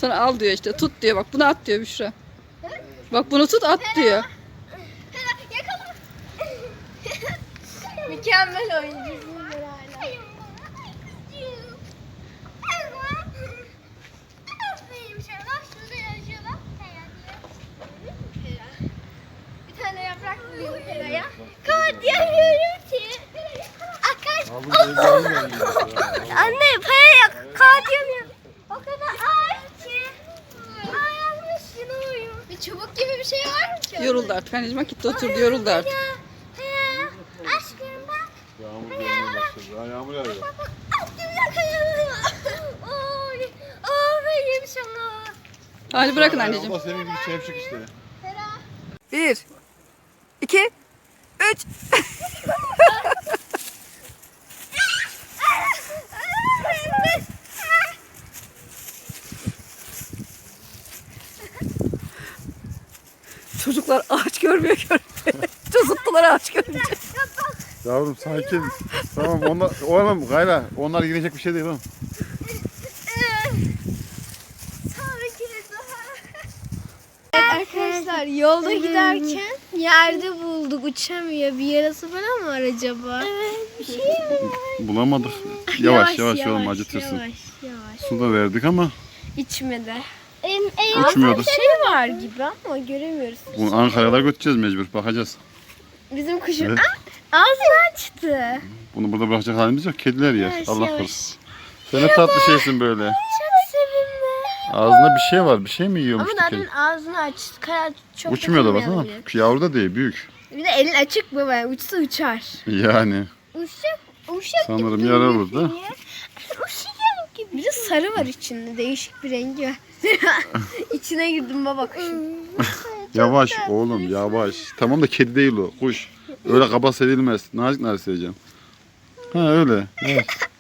Sana al diyor işte. Tut diyor. Bak bunu at diyor Büşra. Bak bunu tut at diyor. Yakala. Mükemmel oyuncusun hala. Bir tane yaprak vuruyor Hera'ya. Kağıt diyemiyorum ki. Anne paya kağıt diyemiyorum. O kadar ağır ki. Ayağımın üstüne uyuyor. Bir çubuk gibi bir şey var mı ki? Yoruldu artık. Anneciğim gitti oturdu yoruldu artık. Aşkım bak. Yağmur gelmeye başladı. Ha, yağmur yağıyor. Aşkım yakalayalım. Oy. Ben yemiş onu. Hadi bırakın anneciğim. Allah senin gibi çevşik işte. 1, 2, 3. Çocuklar ağaç görmüyor. Çocuklar ağaç görünce. Yavrum sakin. Tamam oğlum gayla. Onlar girecek bir şey değil oğlum. Arkadaşlar yolda giderken yerde bulduk. Uçamıyor. Bir yarası falan mı var acaba? Evet. Bir şey mi? Bulamadık. Yavaş oğlum acıtırsın. Yavaş. Su da verdik ama İçmedi. uçmuyordu. Şey var gibi ama göremiyoruz. Bunu Ankara'da götüreceğiz mecbur. Bakacağız. Bizim kuşun Evet. ağzını açtı. Bunu burada bırakacak halimiz yok. Kediler yer. Yavaş, Allah yavaş. korusun. Sen ne tatlı şeysin böyle. Çok sevimli. Ağzında bir şey var. Bir şey mi yiyormuş Ama ki zaten kedi? ağzını açtı. Kanat çok Uçmuyor da dokunmayalım baksana. diye. Yavru da değil. Büyük. Bir de elin açık baba. Uçsa uçar. Yani. Uşak Sanırım yara burada. Uşak gibi. Bir de sarı var içinde. Değişik bir rengi var. İçine girdim baba kuşun. Yavaş oğlum yavaş. Tamam da kedi değil o. Kuş. Öyle kaba sevilmez. Nazik nazik seveceğim. Ha öyle. Evet.